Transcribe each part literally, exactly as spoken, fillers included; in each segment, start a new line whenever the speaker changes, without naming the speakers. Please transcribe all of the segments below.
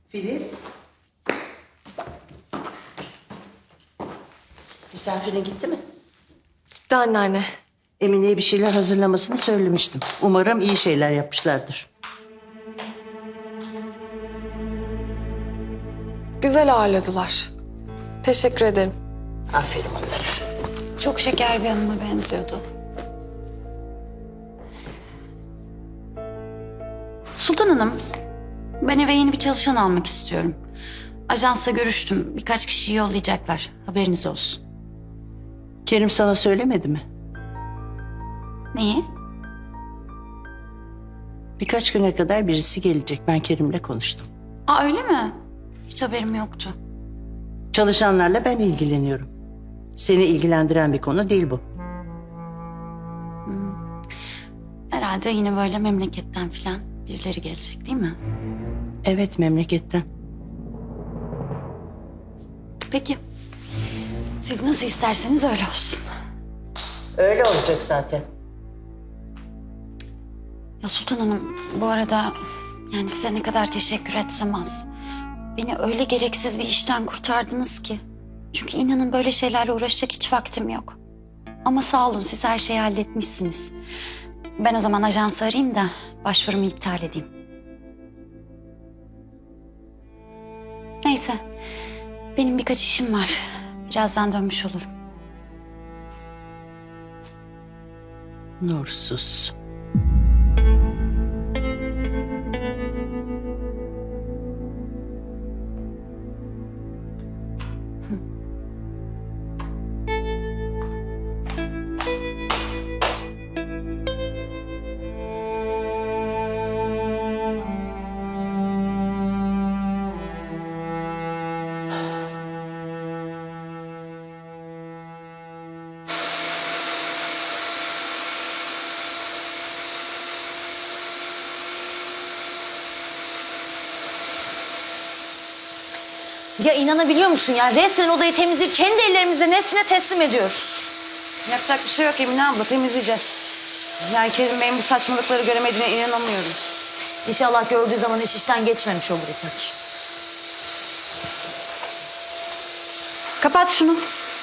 Filiz. Misafirine gitti mi?
Gitti anneanne.
Emine'ye bir şeyler hazırlamasını söylemiştim. Umarım iyi şeyler yapmışlardır.
Güzel ağırladılar. Teşekkür ederim.
Aferin onlara.
Çok şeker bir hanıma benziyordu. Sultan Hanım, ben eve yeni bir çalışan almak istiyorum. Ajansla görüştüm. Birkaç kişiyi yollayacaklar. Haberiniz olsun.
Kerim sana söylemedi mi?
Neyi?
Birkaç güne kadar birisi gelecek. Ben Kerim'le konuştum.
Aa öyle mi? Hiç haberim yoktu.
Çalışanlarla ben ilgileniyorum. Seni ilgilendiren bir konu değil bu.
Herhalde yine böyle memleketten falan birileri gelecek değil mi?
Evet, memleketten.
Peki. Siz nasıl isterseniz öyle olsun.
Öyle olacak zaten.
Ya Sultan Hanım, bu arada yani size ne kadar teşekkür etsem az. Beni öyle gereksiz bir işten kurtardınız ki. Çünkü inanın böyle şeylerle uğraşacak hiç vaktim yok. Ama sağ olun, siz her şeyi halletmişsiniz. Ben o zaman ajansı arayayım da başvurumu iptal edeyim. Neyse, benim birkaç işim var. Birazdan dönmüş olurum.
Nursuz.
Ya inanabiliyor musun ya? Resmen odayı temizleyip kendi ellerimizle Nesrin'e teslim ediyoruz.
Yapacak bir şey yok Emine abla, temizleyeceğiz. Yani Kerim Bey'in bu saçmalıkları göremediğine inanamıyorum.
İnşallah gördüğü zaman iş işten geçmemiş olur İpek.
Kapat şunu.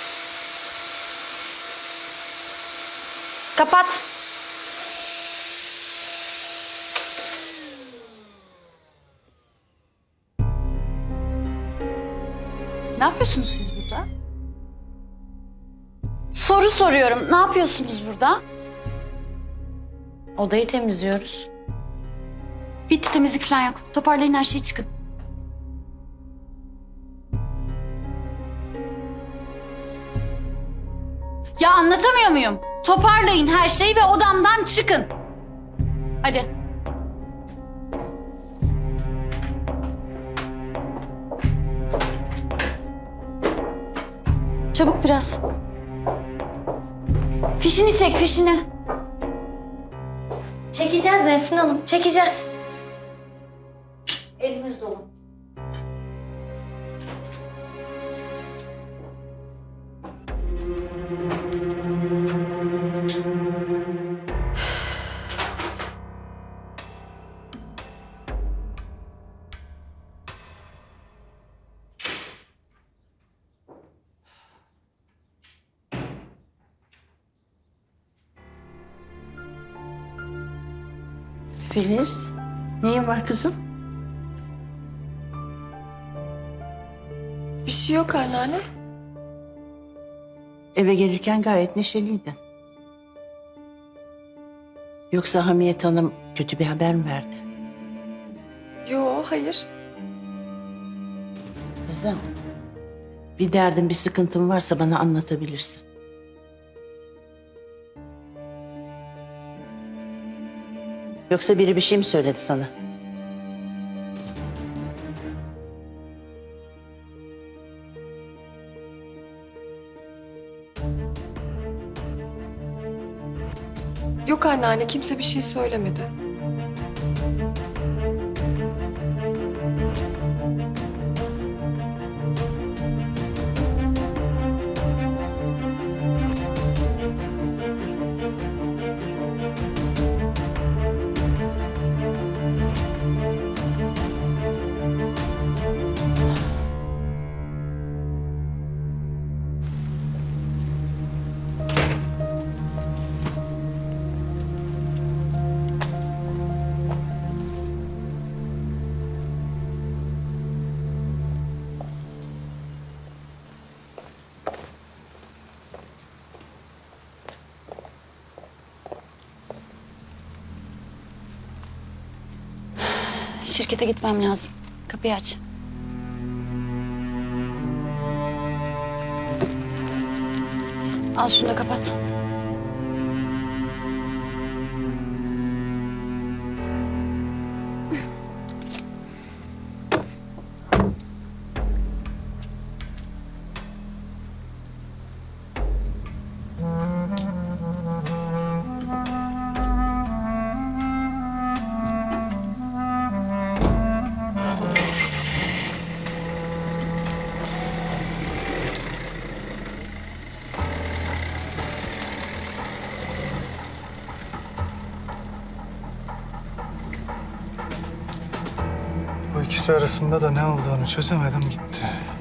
Kapat.
Ne yapıyorsunuz siz burada? Soru soruyorum. Ne yapıyorsunuz burada?
Odayı temizliyoruz.
Bitti, temizlik falan yok. Toparlayın her şeyi, çıkın. Ya anlatamıyor muyum? Toparlayın her şeyi ve odamdan çıkın. Hadi. Çabuk biraz. Fişini çek, fişini.
Çekeceğiz Nesrin Hanım, çekeceğiz. Elimiz dolu.
Filiz, neyin var kızım?
Bir şey yok anneanne.
Eve gelirken gayet neşeliydin. Yoksa Hamiyet Hanım kötü bir haber mi verdi?
Yo, hayır.
Kızım, bir derdin, bir sıkıntın varsa bana anlatabilirsin. Yoksa biri bir şey mi söyledi sana?
Yok anneanne, kimse bir şey söylemedi.
şirkete gitmem lazım. Kapıyı aç. Al şunu da kapat.
Bu ikisi arasında da ne olduğunu çözemedim gitti.